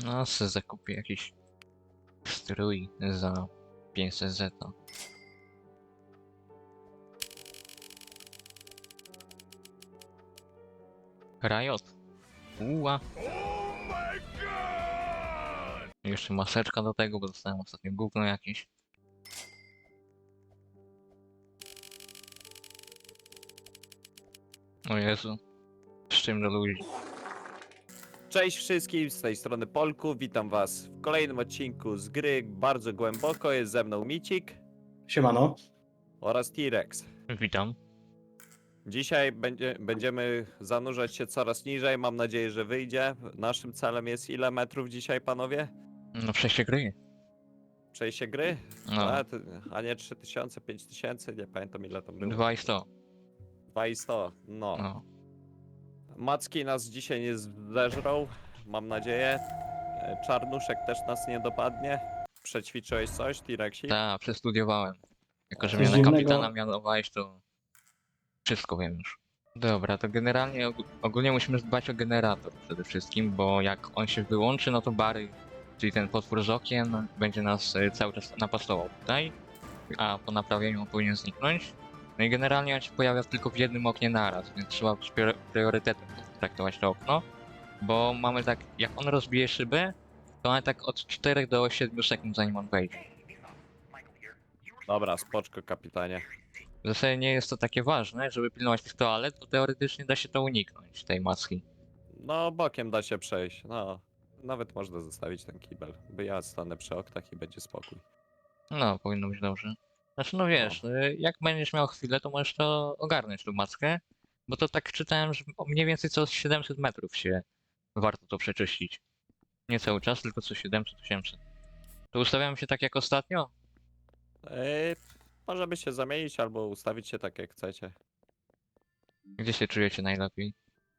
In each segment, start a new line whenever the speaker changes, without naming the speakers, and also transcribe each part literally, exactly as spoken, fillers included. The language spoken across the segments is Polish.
No, se zakupię jakiś strój za pięćset zeta. Riot. Uła. Jeszcze maseczka do tego, bo dostałem ostatnio gówno jakieś. O Jezu. Z czym do ludzi?
Cześć wszystkim, z tej strony Polku, witam was w kolejnym odcinku z gry Bardzo Głęboko. Jest ze mną Micik
Siemano.
oraz T-Rex.
Witam.
Dzisiaj będzie, będziemy zanurzać się coraz niżej, mam nadzieję, że wyjdzie. Naszym celem jest ile metrów dzisiaj, panowie?
No przejście gry.
Przejście gry?
No.
A, to, a nie trzy tysiące, pięć tysięcy, nie pamiętam ile tam było.
Dwa i sto.
dwa i sto, no.
No.
Macki nas dzisiaj nie zeżrą, mam nadzieję. E, Czarnuszek też nas nie dopadnie. Przećwiczyłeś coś, T-Rexie?
Tak, przestudiowałem. Jako, że
Coś
mnie na
dziwnego.
kapitana mianowałeś, to wszystko wiem już. Dobra, to generalnie og ogólnie musimy dbać o generator przede wszystkim, bo jak on się wyłączy, no to Bary, czyli ten potwór z okien, będzie nas e, cały czas napastował tutaj, a po naprawieniu on powinien zniknąć. No i generalnie on się pojawia tylko w jednym oknie naraz, więc trzeba z prior- priorytetem traktować to okno, bo mamy tak, jak on rozbije szybę, to mamy tak od czterech do siedmiu sekund zanim on wejdzie.
Dobra, spoczko, kapitanie.
W zasadzie nie jest to takie ważne, żeby pilnować tych toalet, bo teoretycznie da się to uniknąć, tej maski.
No, bokiem da się przejść, no. Nawet można zostawić ten kibel, by ja stanę przy oknach i będzie spokój.
No, powinno być dobrze. Znaczy, no wiesz, y, jak będziesz miał chwilę, to możesz to ogarnąć, tą maskę, bo to tak czytałem, że o mniej więcej co siedemset metrów się warto to przeczyścić. Nie cały czas, tylko co siedemset osiemset. To ustawiam się tak jak ostatnio?
Ej, możemy się zamienić albo ustawić się tak jak chcecie.
Gdzie się czujecie najlepiej?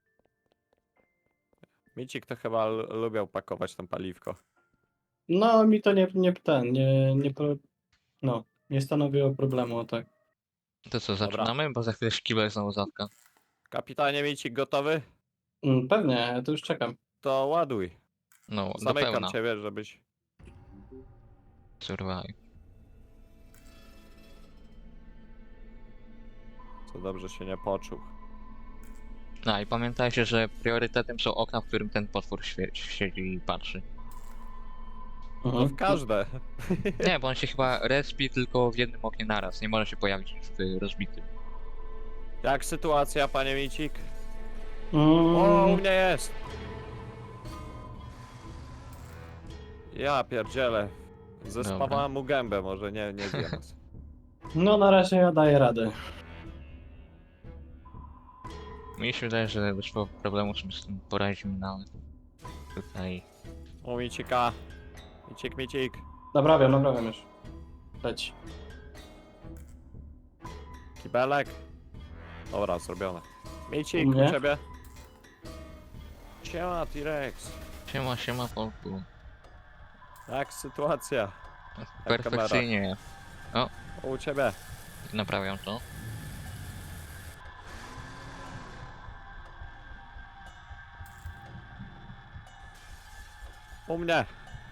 Micik to chyba l- lubiał pakować tam paliwko.
No mi to nie, nie ten, nie, nie, pro- no, nie stanowiło problemu, tak.
To co,
Dobra.
zaczynamy? Bo za chwilę szkibel znowu zatka.
Kapitanie Micik, gotowy?
Mm, Pewnie, ja to już czekam.
To ładuj.
No, do
Zamykam
pełna.
ciebie, żebyś...
Survive.
Co dobrze się nie poczuł.
No i pamiętajcie, że priorytetem są okna, w którym ten potwór świe- siedzi i patrzy.
No
Mhm.
w każde.
Nie, bo on się chyba respi tylko w jednym oknie naraz. Nie może się pojawić w rozbitym.
Jak sytuacja, panie Micik?
Mm,
O, u mnie jest! Ja pierdzielę. Zespawałem mu gębę, może nie, nie zje nas.
No na razie ja daję radę.
Mi się wydaje, że bez problemu sobie z tym poradzimy nawet. Tutaj.
U Micika. Micik, Micik.
Naprawiam, naprawiam już. Leć.
Kibelek. Dobra, zrobione. Micik,
U
u
mnie?
ciebie. Siema, T-Rex.
Siema, siema Polku.
Jak sytuacja?
Perfekcyjnie.
U ciebie.
Naprawiam to.
U mnie.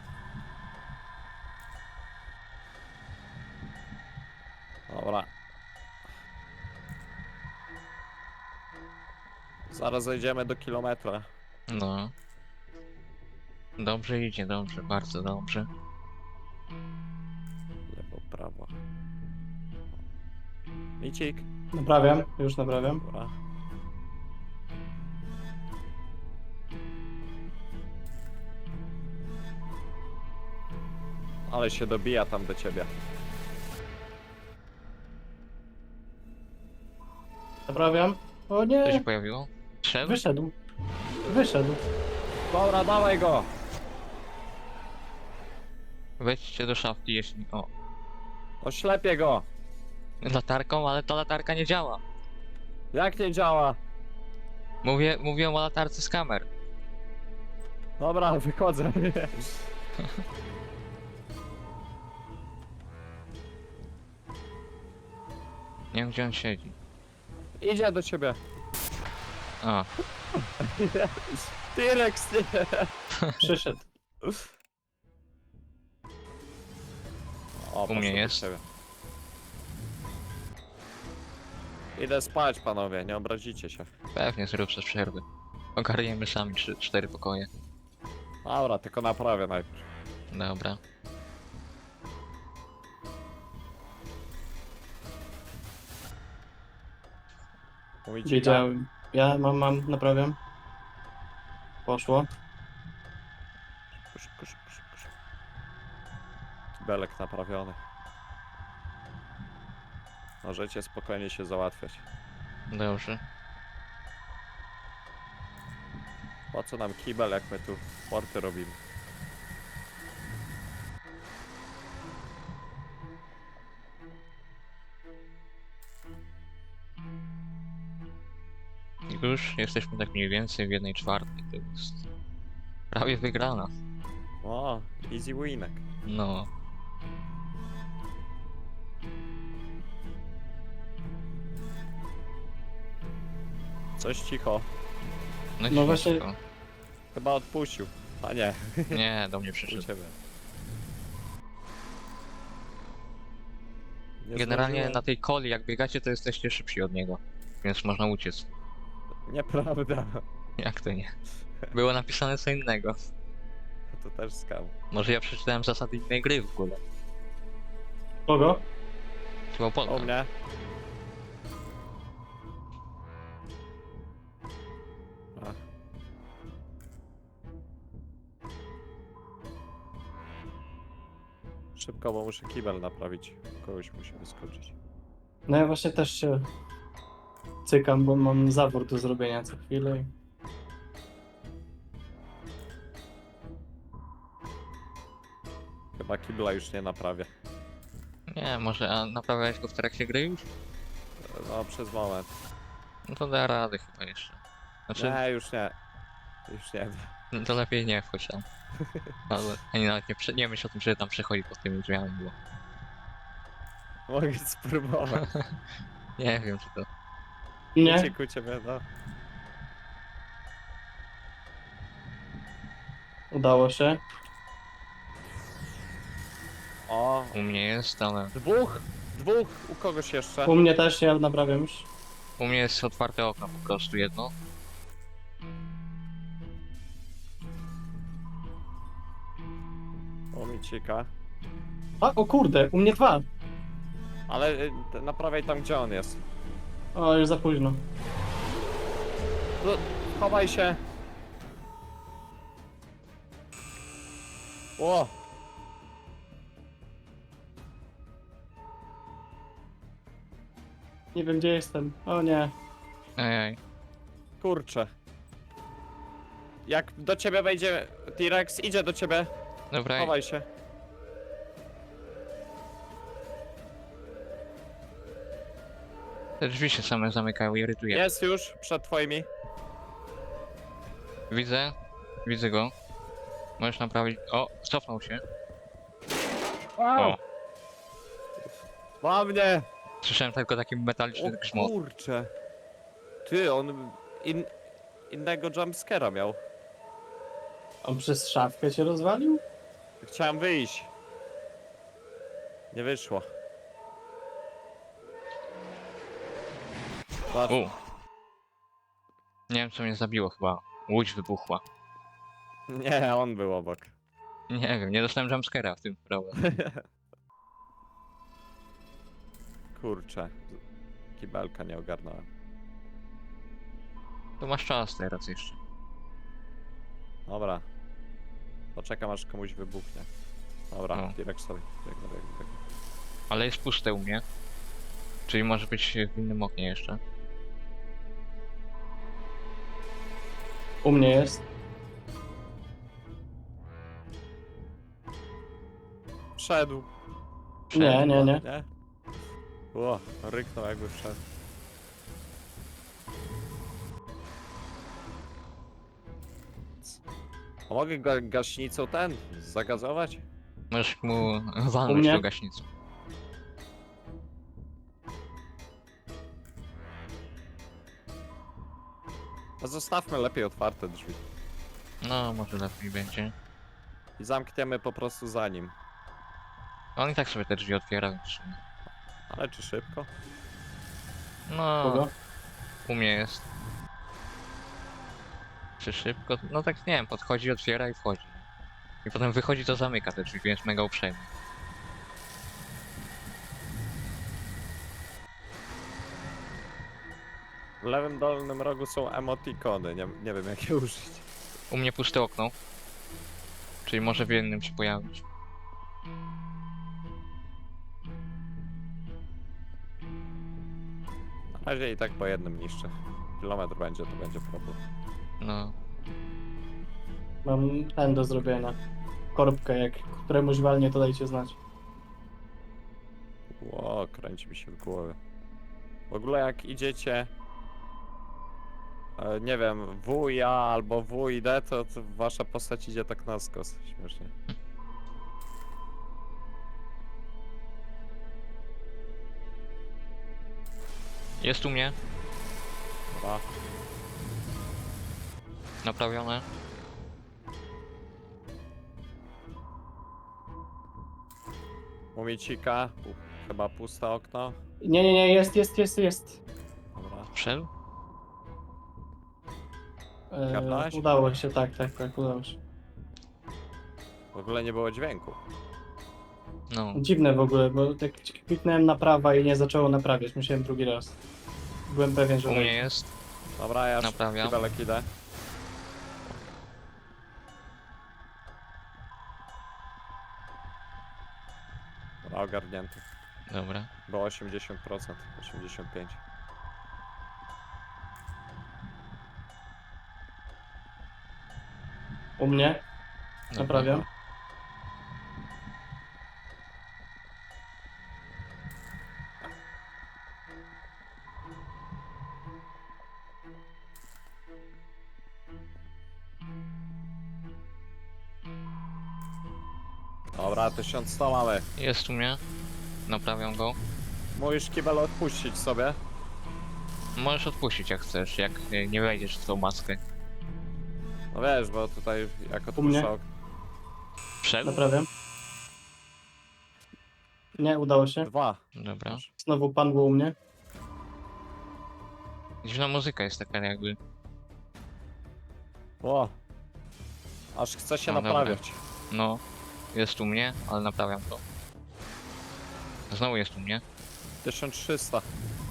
Dobra. Zaraz zejdziemy do kilometra.
No. Dobrze idzie, dobrze, bardzo dobrze.
Lewo, prawo. Micik.
Naprawiam, już naprawiam.
Dobra. Ale się dobija tam do ciebie.
Naprawiam. O
Co się
nie,
pojawiło? Szedł?
wyszedł. Wyszedł.
Dobra, dawaj go!
Wejdźcie do szafki, jeśli... O.
Oślepię go!
Latarką, ale ta latarka nie działa.
Jak nie działa?
Mówię, mówię o latarce z kamer.
Dobra, wychodzę.
Nie wiem, gdzie on siedzi.
Idzie do ciebie.
A,
T-Rex, nie.
Przyszedł.
O,
U mnie
poszło do
jest.
ciebie. Idę spać, panowie, nie obrazicie się.
Pewnie zrób przez przerwy. Ogarniemy sami trzy, cztery pokoje.
Dobra, tylko naprawię najpierw.
Dobra.
Mówicie,
Wiedziałem. Ja mam, mam, naprawiam. Poszło.
Szybko, szybko, szybko, szybko. Kibelek naprawiony. Możecie spokojnie się załatwiać.
Dobrze.
Po co nam kibel, jak my tu porty robimy?
Już jesteśmy tak mniej więcej w jednej czwartej. To jest prawie wygrana.
O, easy winek.
No.
Coś cicho.
No,
No właśnie-
ciężko.
Chyba odpuścił. A nie,
Nie, do mnie
u
przyszedł.
ciebie. Nie
Generalnie
zdążyłem.
na tej coli, jak biegacie, to jesteście szybsi od niego. Więc można uciec.
Nieprawda.
Jak to nie? Było napisane co innego.
To też skam.
Może ja przeczytałem zasady innej gry w ogóle.
Kogo?
Chyba
O
Polka.
mnie. A. Szybko, bo muszę kibel naprawić. Kogoś musi wyskoczyć.
No ja właśnie też się cykam, bo mam zawór do zrobienia co chwilę. i-
Chyba kibla już nie naprawię.
Nie, może a naprawiałeś go w trakcie gry już?
No, przez moment.
No to da radę chyba jeszcze. Znaczy,
Nie, już nie. Już nie.
no to lepiej nie wchodź tam. Ale ani nawet nie, prze- nie myśl o tym, że tam przechodzi pod tymi drzwiami, bo
Mogę spróbować.
nie wiem czy to...
Nie?
Uciekł u ciebie, no.
Udało się.
O,
U mnie jest, ale
dwóch! Dwóch! U kogoś jeszcze?
U mnie też, ja naprawiam już.
u mnie jest otwarte okno po prostu jedno.
O, Micika.
A, o kurde, u mnie dwa.
Ale y, te- naprawiaj tam, gdzie on jest.
O, już za późno.
No, chowaj się. O!
Nie wiem gdzie jestem. O nie.
Ejej.
Kurczę. Jak do ciebie wejdzie T-Rex, idzie do ciebie.
Dobra,
Chowaj się.
te drzwi się same zamykają i irytuje.
Jest już przed twoimi.
Widzę, widzę go. Możesz naprawić... O, cofnął się. O,
Ma mnie!
słyszałem tylko taki metaliczny
O
grzmot.
kurczę. Ty, on in, innego jumpscare'a miał.
On przez szafkę się rozwalił?
Chciałem wyjść. Nie wyszło. Patrz.
U. Nie wiem co mnie zabiło chyba. Łódź wybuchła.
Nie, on był obok.
Nie wiem, nie dostałem jumpscare'a w tym problem.
Kurczę. Kibelka nie ogarnąłem.
To masz czas teraz jeszcze.
Dobra. Poczekam aż komuś wybuchnie. Dobra,
No.
T-Rex sobie. Biegnę, biegnę, biegnę.
Ale jest puste u mnie. Czyli może być w innym oknie jeszcze.
U mnie jest.
Wszedł.
Nie, nie, nie.
Nie? O, ryknął jakby wszedł. A mogę ga gaśnicą ten zagazować?
Możesz mu walnąć
mnie?
do gaśnicy.
A zostawmy lepiej otwarte drzwi.
No, może lepiej będzie.
I zamkniemy po prostu za nim.
On i tak sobie te drzwi otwiera, więc... w sumie.
Ale czy szybko?
No,
Kogo?
u mnie jest. Czy szybko? No tak nie wiem, podchodzi, otwiera i wchodzi. I potem wychodzi, to zamyka te drzwi, więc mega uprzejmy.
W lewym dolnym rogu są emotikony, nie, nie wiem jak je użyć.
U mnie puste okno. Czyli może w jednym się pojawić.
Na razie i tak po jednym niszczę. Kilometr będzie, to będzie problem.
No,
Mam ten do zrobienia. Korbkę, jak któremuś walnie, to dajcie znać.
Ło, kręci mi się w głowie. W ogóle jak idziecie... e, Nie wiem, W ja albo W i D, to, to wasza postać idzie tak na skos. Śmiesznie.
jest u mnie,
Dobra.
naprawione.
Mumicika, pu- chyba puste okno.
Nie, nie, nie, jest, jest, jest, jest.
Dobra.
Wszedł?
E,
Kapnąłeś?
udało się, tak, tak, tak, udało się.
W ogóle nie było dźwięku.
No,
Dziwne w ogóle, bo tak kliknąłem na prawa i nie zaczęło naprawiać, musiałem drugi raz. Byłem pewien, że
u mnie
wejdzie.
jest.
Dobra, ja
Naprawiam.
kibelek idę. Dobra, ogarnięty.
Dobra.
Było osiemdziesiąt procent, osiemdziesiąt pięć procent.
U mnie,
Dobra.
naprawiam.
Dobra, tysiąc sto mamy.
Jest u mnie. Naprawiam go.
Musisz kibel odpuścić sobie.
Możesz odpuścić jak chcesz, jak nie, nie wejdziesz w tą maskę.
No wiesz, bo tutaj jak
mnie?
odpuszczał...
Wszedł?
Naprawiam. Nie, udało się.
Dwa.
Dobra.
Znowu pan był u mnie.
Dziwna muzyka jest taka jakby.
O! Aż chce się
No dobra.
naprawiać.
No, jest u mnie, ale naprawiam to. Znowu jest u mnie.
tysiąc trzysta.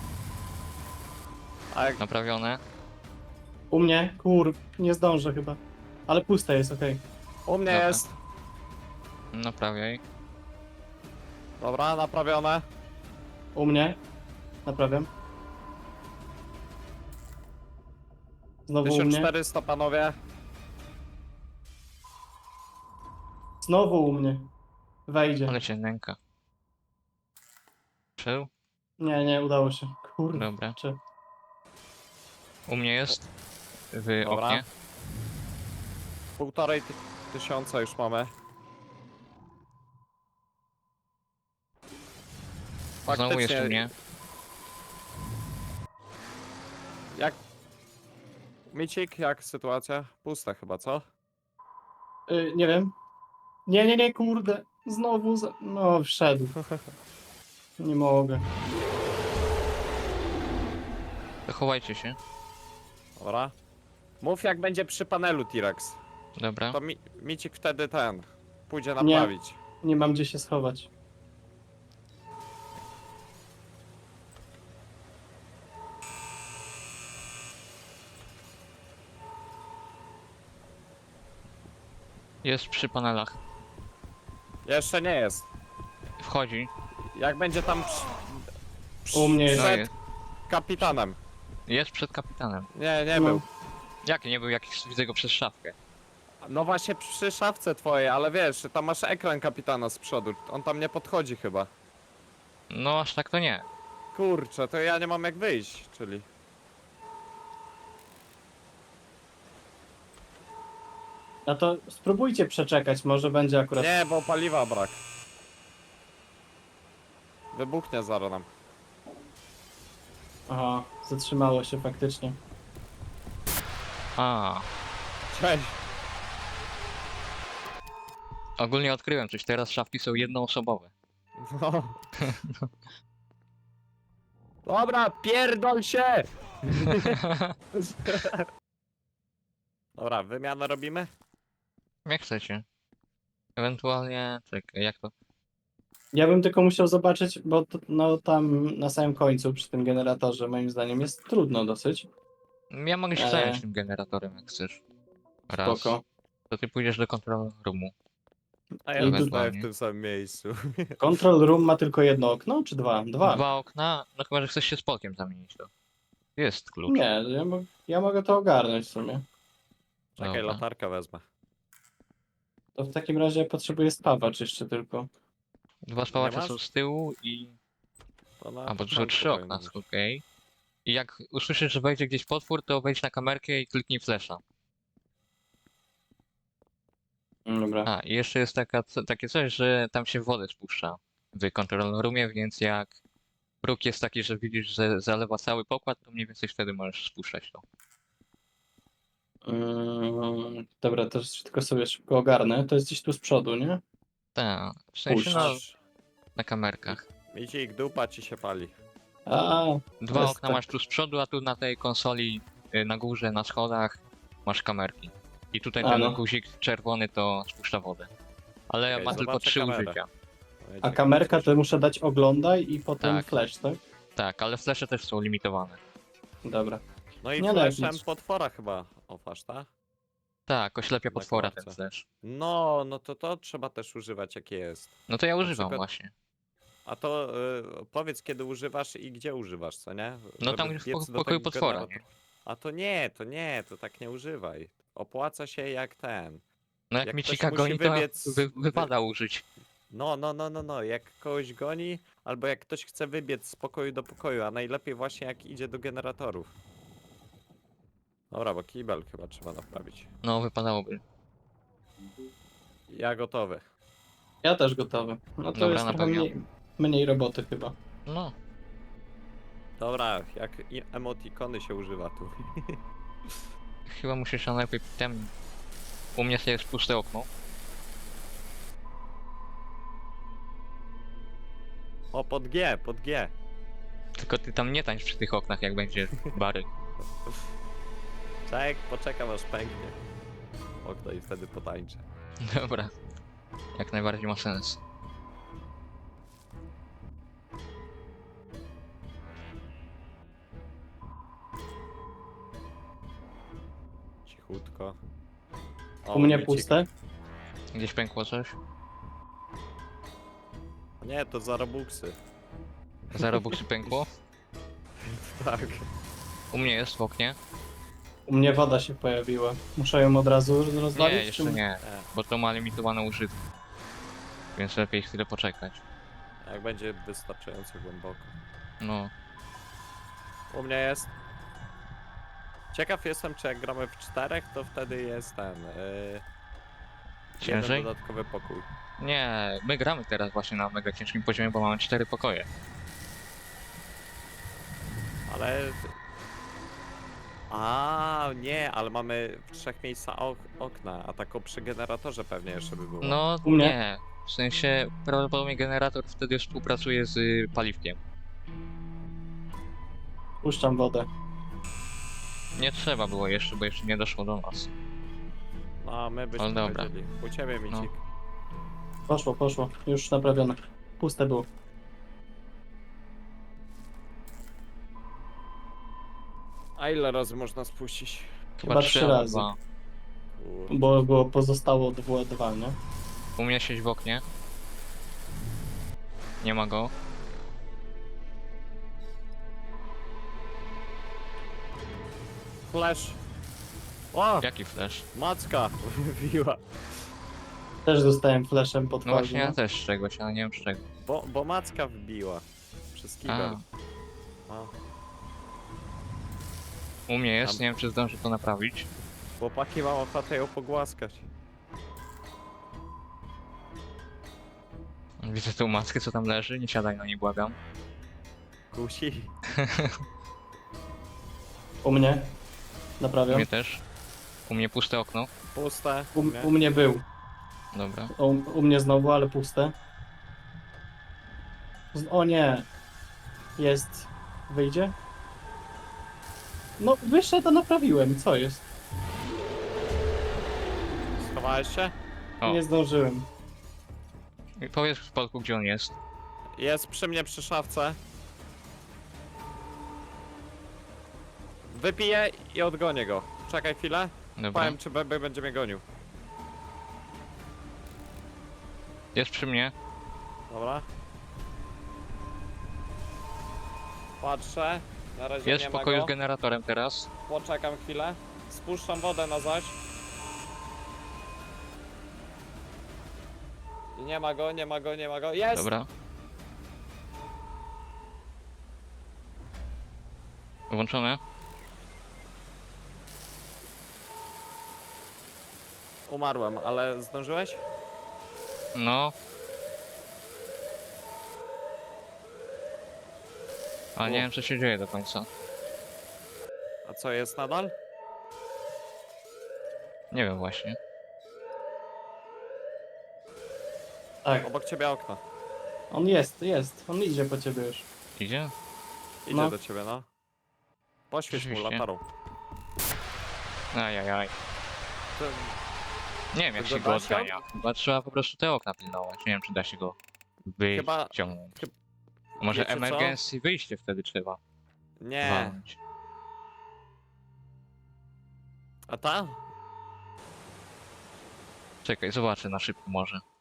A jak...
Naprawione.
U mnie, kur, nie zdążę chyba. Ale puste jest, okej.
U mnie
Dobra.
jest.
Naprawiaj.
Dobra, naprawione.
U mnie, naprawiam. Znowu u
tysiąc
mnie,
czterysta panowie.
znowu u mnie. Wejdzie.
Ale cię nęka. Wszedł?
Nie, nie, udało się. Kurde.
Dobra.
Czy...
U mnie jest. W
Dobra.
oknie.
Półtorej ty tysiąca już mamy.
Znowu jest u mnie.
Jak... Micik, jak sytuacja? Pusta chyba, co?
Y, nie wiem. Nie, nie, nie, kurde. Znowu, za... no wszedł. Nie mogę.
To chowajcie się.
Dobra. Mów jak będzie przy panelu T-Rex.
Dobra.
To mi Micik wtedy ten... Pójdzie
Nie.
naprawić.
Nie mam gdzie się schować.
Jest przy panelach.
Jeszcze nie jest.
Wchodzi.
Jak będzie tam przy... przy
U mnie jest.
No
przed
jest.
kapitanem.
Jest przed kapitanem.
Nie, nie
No.
był.
Jaki nie był jakiś, widzę go przez szafkę.
No właśnie przy szafce twojej, ale wiesz, tam masz ekran kapitana z przodu. On tam nie podchodzi chyba.
No aż tak to nie.
Kurczę, to ja nie mam jak wyjść, czyli...
A to spróbujcie przeczekać, może będzie akurat.
Nie, bo paliwa brak. Wybuchnie zaraz nam.
Aha, zatrzymało się faktycznie.
A,
Cześć.
Ogólnie odkryłem coś, teraz szafki są jednoosobowe.
No. Dobra, pierdol się! Dobra, wymianę robimy?
Jak chcecie. Ewentualnie, czekaj, jak to?
Ja bym tylko musiał zobaczyć, bo to, no tam na samym końcu przy tym generatorze moim zdaniem jest trudno dosyć.
Ja mogę się
Eee.
zająć tym generatorem, jak chcesz. Raz.
Spoko.
To ty pójdziesz do control roomu.
A ja
I
zostaję w
ewentualnie.
tym samym miejscu.
Control room ma tylko jedno okno, czy dwa? Dwa.
Dwa okna, no chyba, że chcesz się z Polkiem zamienić to. Jest klucz.
Nie, ja, mo- ja mogę to ogarnąć w sumie.
Czekaj,
Dobra.
latarkę wezmę.
To w takim razie potrzebuję spawacz jeszcze tylko.
Dwa spawacze
masz?
są z tyłu i...
To na
A, bo to są
początku
trzy okna,
powinno być.
okej. I jak usłyszysz, że wejdzie gdzieś potwór, to wejdź na kamerkę i kliknij flesza.
Mm, Dobra.
A, i jeszcze jest taka, co- takie coś, że tam się wodę spuszcza w control roomie, więc jak próg jest taki, że widzisz, że zalewa cały pokład, to mniej więcej wtedy możesz spuszczać to.
Mm, dobra, to już tylko sobie szybko ogarnę. To jest gdzieś tu z przodu, nie?
Tak, w sensie no,
Masz
na kamerkach.
Midzik, dupa ci się pali.
A,
Dwa
jest
okna
tak.
masz tu z przodu, a tu na tej konsoli y, na górze, na schodach masz kamerki. I tutaj
A,
ten
no.
guzik czerwony to spuszcza wodę. Ale
Okej,
ma tylko
zobaczę
trzy
kamerę.
użycia.
A kamerka to muszę dać oglądaj i potem
Tak.
flash, tak?
Tak, ale flesze też są limitowane.
Dobra.
No i
Nie
flashem
lepić.
potwora chyba ofasz, tak?
Tak, oślepia
Na
potwora ten
klatce.
flash.
No, no to to trzeba też używać jak jest.
No to ja używam
przykład-
właśnie.
A to y, powiedz kiedy używasz i gdzie używasz, co nie?
No tam
Żeby
w
biec
poko-
do
pokoju
tego
potwora,
generatora. A to nie, to nie, to tak nie używaj. Opłaca się jak ten.
No jak,
Jak
mi
ktoś
cika
musi
goni, to
wybiec-
wy, wypada użyć.
No, no, no, no, no, jak kogoś goni, albo jak ktoś chce wybiec z pokoju do pokoju, a najlepiej właśnie jak idzie do generatorów. Dobra, bo kibel chyba trzeba naprawić.
No wypadałoby.
Ja gotowy.
Ja też gotowy. No to
Dobra,
jest trochę
napełniam.
mniej, mniej roboty chyba.
No,
Dobra, jak i- emotikony się używa tu.
chyba musisz się najlepiej tem... U mnie jest puste okno.
O, pod G, pod G.
Tylko ty tam nie tańcz przy tych oknach, jak będzie bary.
Czek, poczekam aż pęknie. Okno i wtedy potańczę.
Dobra. Jak najbardziej ma sens.
Cichutko.
U mnie
Micik.
puste.
Gdzieś pękło coś?
Nie, to za robuxy.
Za Robuxy pękło?
Tak.
U mnie jest w oknie.
U mnie woda się pojawiła. Muszę ją od razu rozwalić?
Nie, jeszcze
czy-
nie,
E,
bo to ma limitowaną używkę. Więc lepiej chwilę poczekać.
jak będzie wystarczająco głęboko.
No,
U mnie jest. Ciekaw jestem, czy jak gramy w czterech, to wtedy jest ten. Yy,
ciężej?
jeden dodatkowy pokój.
Nie, my gramy teraz właśnie na mega ciężkim poziomie, bo mamy cztery pokoje.
Ale. A nie, ale mamy w trzech miejscach ok okna, a tak o przy generatorze pewnie jeszcze by było.
No
U mnie?
nie, w sensie prawdopodobnie generator wtedy współpracuje z y, paliwkiem.
Puszczam wodę.
Nie trzeba było jeszcze, bo jeszcze nie doszło do nas.
No, a my byśmy
Ale dobra.
wiedzieli. U ciebie, Micik.
Poszło, poszło. Już naprawione. Puste było.
A ile razy można spuścić?
Chyba trzy
albo
razy.
dwa.
Kur...
Bo było pozostało dwa, dwa, nie?
U mnie siedzi w oknie. Nie ma go.
Flash! O!
Jaki flash?
Macka! Wybiła.
Też dostałem flashem pod
No
twarzą.
właśnie ja też z czegoś, ale nie wiem z czego.
Bo, bo macka wbiła. Przez kibel. O,
U mnie jest,
Tam.
nie wiem czy zdążę to naprawić.
chłopaki mam ochotę ją pogłaskać.
Widzę tą maskę co tam leży, nie siadaj na niej błagam.
Kusi.
U mnie.
U
Naprawiam.
mnie też. U mnie puste okno.
Puste.
U,
nie?
u mnie był.
Dobra.
U, u mnie znowu, ale puste. Z, o nie. Jest. Wyjdzie? No, wyszedł, a naprawiłem. Co jest?
Schowałeś się?
O,
Nie zdążyłem.
i powiedz w Polku, gdzie on jest.
Jest przy mnie przy szafce. Wypiję i odgonię go. Czekaj chwilę.
Dobra.
Powiem, czy Bebe będzie mnie gonił.
Jest przy mnie.
Dobra. Patrzę. Na razie
Jest
nie
w
ma
pokoju
go.
z generatorem teraz.
Poczekam chwilę. Spuszczam wodę na zaś. I nie ma go, nie ma go, nie ma go. Jest!
Dobra. Włączone.
Umarłem, ale zdążyłeś?
No. Ale nie
O.
wiem, co się dzieje do końca.
A co, jest nadal?
Nie wiem właśnie.
Tak,
Obok ciebie okno.
on jest, jest. On idzie po ciebie już.
Idzie?
Idzie
No.
do ciebie, no. Poświeć mu
Rzeczywiście.
latarą.
Ajajaj.
To...
Nie wiem, jak
To
się go
da się
odgania. Chyba trzeba po prostu te okna pilnować. Nie wiem, czy da się go
Chyba-
wyciągnąć.
chyb-
A może
wiecie co?
emergency wyjście wtedy trzeba
Nie.
walnąć.
A ta?
Czekaj, zobaczę na szybko może.